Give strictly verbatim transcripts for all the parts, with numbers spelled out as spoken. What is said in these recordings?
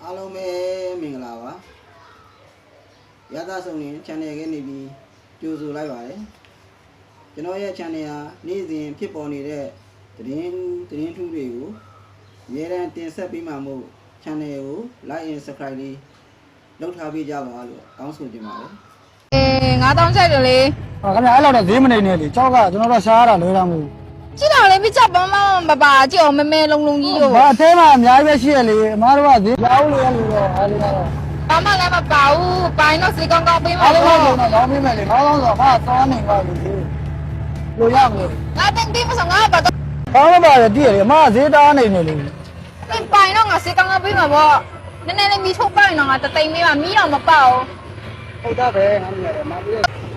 အားလုံးပဲမင်္ဂလာပါရသဆုံးရင် channel ကနေပြီးကြိုဆိုလိုက်ပါတယ်ကျွန်တော်ရဲ့ channel ဟာနေ့စဉ်ဖြစ်ပေါ်နေတဲ့သတင်းသတင်းထူးတွေကိုအများအားတင်ဆက်ပေးမှာမို့ channel ကို like and subscribe လေးလုပ်ထားပေးကြပါလို့တောင်းဆိုချင်ပါတယ်အေးငါတောင်းချက်တယ်လေဟောခင်ဗျာအဲ့လောက်တော့ဈေးမနေနဲ့လေကြောက်ကကျွန်တော်တို့ရှားရတာလွဲတာမဟုတ်ကြည့်တော့လေပြချက်ပန်းပန်းပပါကြည့်အောင်မဲမဲလုံးလုံးကြီးရောဘာအသေးမှအများကြီးပဲရှိရလေအမားတို့ကဈေးရောင်းလို့ရလို့တော့အားလေးကတော့ဘာမှလည်းမပါဘူးပိုင်းတော့စေကောင်းကောင်းပေးမှာအားလုံးကတော့ရောင်းပေးမယ်လေဘာလို့ဆိုတော့ဟာသွားနေပါလို့ဒီလိုရမလို့ငါတင်ပြီးမဆိုငါဘာတော့ဘာမှမပါရတည်ရလေအမားဈေးတားနေနေလေမင်းပိုင်းတော့ငါစေကောင်းကောင်းပေးမှာပေါ့နည်းနည်းလေးမီးထုတ်ပိုင်းတော့ငါတသိမ့်ပေးမှာမီးတော့မပေါက်ဟုတ်တာပဲငါမြင်ရတယ်မပြီး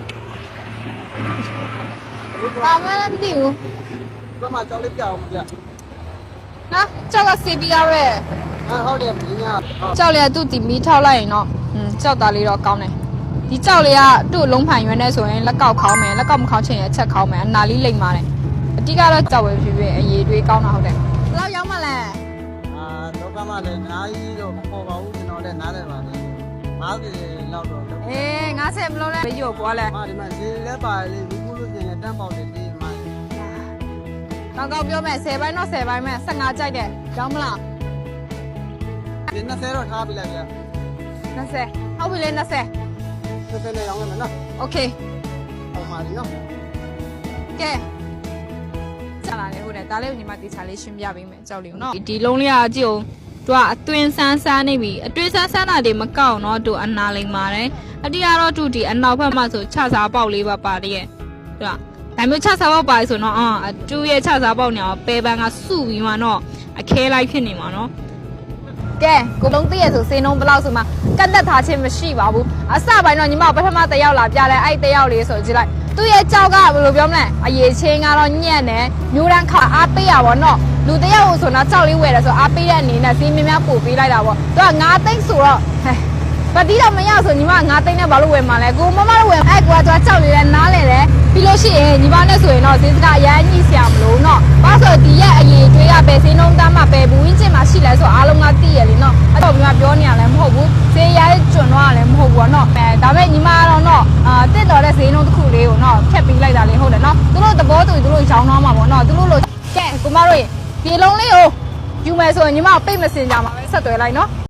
ဘာမှမသိဘူးဘာမှကြောက်လေးပြအောင်မပြဟာကြောက်ကစီပြီးရရဲ့ဟာဟုတ်တယ်မင်းညာကြောက်လေသူ့တီမီးထောက်လိုက်ရင်တော့อืมကြောက်သားလေးတော့ကောင်းတယ်ဒီကြောက်လေးကသူ့လုံးဖန်ရွယ်နေဆိုရင်လက်ကောက်ခေါင်းမယ်လက်ကောက်မခေါင်းချင်ရင်အချက်ခေါင်းမယ်အနာလေးလိမ့်ပါတယ်အတိကတော့ကြောက်ပဲဖြစ်ဖြစ်အရေးတွေးကောင်းတာဟုတ်တယ်ဘယ်လောက်ရောက်မှလဲအာတော့ကမှလည်းအများကြီးတော့မပေါ်ပါဘူးကျွန်တော်လည်းနားတယ်ပါလေငါးสิบလောက်တော့အေးငါးสิบမလို့လဲမရောပွားလဲမာဒီမှာဈေးလည်းပါလေဒီကူလို့ပြင်လည်းတန်းပေါက်တယ်ဒီမှာကောင်းကောင်းပြောမယ်สิบပိုင်းတော့สิบပိုင်းမဲ့สิบห้าကြိုက်တယ်ကြောင်းမလားဒီยี่สิบတော့ထားပြလိုက်ဗျာยี่สิบဟုတ်ပြီလေยี่สิบยี่สิบနဲ့ရောင်းရမယ်နော်โอเคဟုတ်ပါပြီနော်ကဲဆက်လာလေဟုတ်တယ်ဒါလေးကိုညီမတေချာလေးရှင်းပြပေးမယ်ကြောက်လေးနော်ဒီလုံးလေးကကြည့်အောင်သူကအသွင်ဆန်းဆန်းနေပြီအတွေ့ဆန်းဆန်းတာတွေမကောက်တော့သူအနာလိမ့်ပါတယ်အတိကတော့သူဒီအနောက်ဘက်မှာဆိုခြစားပေါက်လေးပါပါတည်းရဲ့သူကဒါမျိုးခြစားပေါက်ပါဆိုတော့အာအတူရဲ့ခြစားပေါက်နေအောင်ပဲပန်းကစုပြီးမှတော့အခဲလိုက်ဖြစ်နေမှာနော်ကဲကိုလုံးသိရဆိုစေနှုံးဘလောက်ဆိုမှကတ်သက်ထားခြင်းမရှိပါဘူးအစပိုင်းတော့ညီမပထမတစ်ယောက်လာပြလဲအဲ့တစ်ယောက်လေးဆိုကြည့်လိုက်သူ့ရဲ့ကြောက်ကဘယ်လိုပြောမလဲအရေးချင်းကတော့ညံ့တယ်မျိုးတန်းခါအားပေးရပါတော့လူတယောက်ဆိုတော့ကြောက်လေးဝယ်တယ်ဆိုအားပေးတဲ့အနေနဲ့စီးမင်းများပို့ပေးလိုက်တာပေါ့သူကငါးသိန်းဆိုတော့ဟဲ့ပတိတော့မရဆိုညီမငါးသိန်းနဲ့ဘာလို့ဝယ်မှာလဲကိုမမတို့ဝယ်အဲ့ကွာသူကကြောက်လေးနဲ့နားလဲတယ်ပြီးလို့ရှိရင်ညီမနဲ့ဆိုရင်တော့ဈေးစကားအရန်ညှိဆရာမလို့နော်ဘာဆိုဒီရဲ့အရေးတွေးကပဲဈေးနှုန်းသားမှပဲဘူးဝင်းကျင်မှာရှိလဲဆိုအားလုံးကသိရလေနော်အဲ့တော့ညီမပြောနေရလဲမဟုတ်ဘူးဈေးရဲကျွန်းတော့လည်းမဟုတ်ဘူးနော်အဲဒါပေမဲ့ညီမကတော့နော်အာတက်တော်တဲ့ဈေးနှုန်းတစ်ခုလေးကိုနော်ဖြတ်ပြီးလိုက်တာလေးဟုတ်တယ်နော်သူတို့သဘောတူသူတို့ရောင်းတော့မှာပေါ့နော်သူတို့လိုကဲကိုမတို့ရေပြေလုံးလေးကိုယူမယ်ဆိုရင်ညီမပိတ်မစင်ကြမှာပဲဆက်သွယ်လိုက်နော်